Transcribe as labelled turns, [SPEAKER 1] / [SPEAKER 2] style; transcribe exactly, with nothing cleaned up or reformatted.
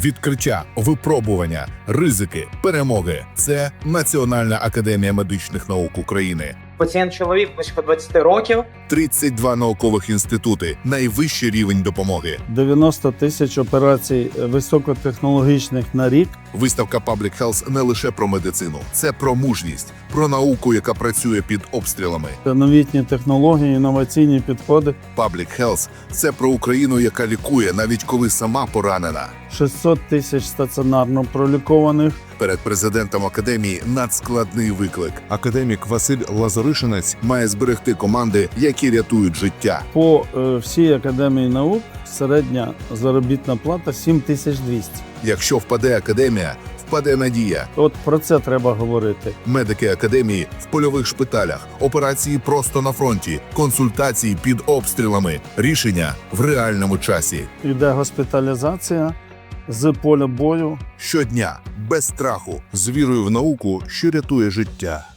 [SPEAKER 1] Відкриття, випробування, ризики, перемоги – це Національна академія медичних наук України.
[SPEAKER 2] Пацієнт чоловік близько двадцяти років.
[SPEAKER 1] тридцять два наукових інститути, найвищий рівень допомоги.
[SPEAKER 3] дев'яносто тисяч операцій високотехнологічних на рік.
[SPEAKER 1] Виставка Public Health не лише про медицину. Це про мужність, про науку, яка працює під обстрілами.
[SPEAKER 3] Новітні технології, інноваційні підходи.
[SPEAKER 1] Public Health – це про Україну, яка лікує, навіть коли сама поранена.
[SPEAKER 3] шістсот тисяч стаціонарно пролікованих.
[SPEAKER 1] Перед президентом академії надскладний виклик.
[SPEAKER 4] Академік Василь Лазаришинець
[SPEAKER 1] Має зберегти команди, які рятують життя.
[SPEAKER 3] По е, всій академії наук середня заробітна плата сім тисяч двісті.
[SPEAKER 1] Якщо впаде академія, впаде надія.
[SPEAKER 3] От про це треба говорити.
[SPEAKER 1] Медики академії в польових шпиталях, операції просто на фронті, консультації під обстрілами, рішення в реальному часі.
[SPEAKER 3] Іде госпіталізація з поля бою.
[SPEAKER 1] Щодня, без страху.
[SPEAKER 4] з вірою в науку, що рятує життя.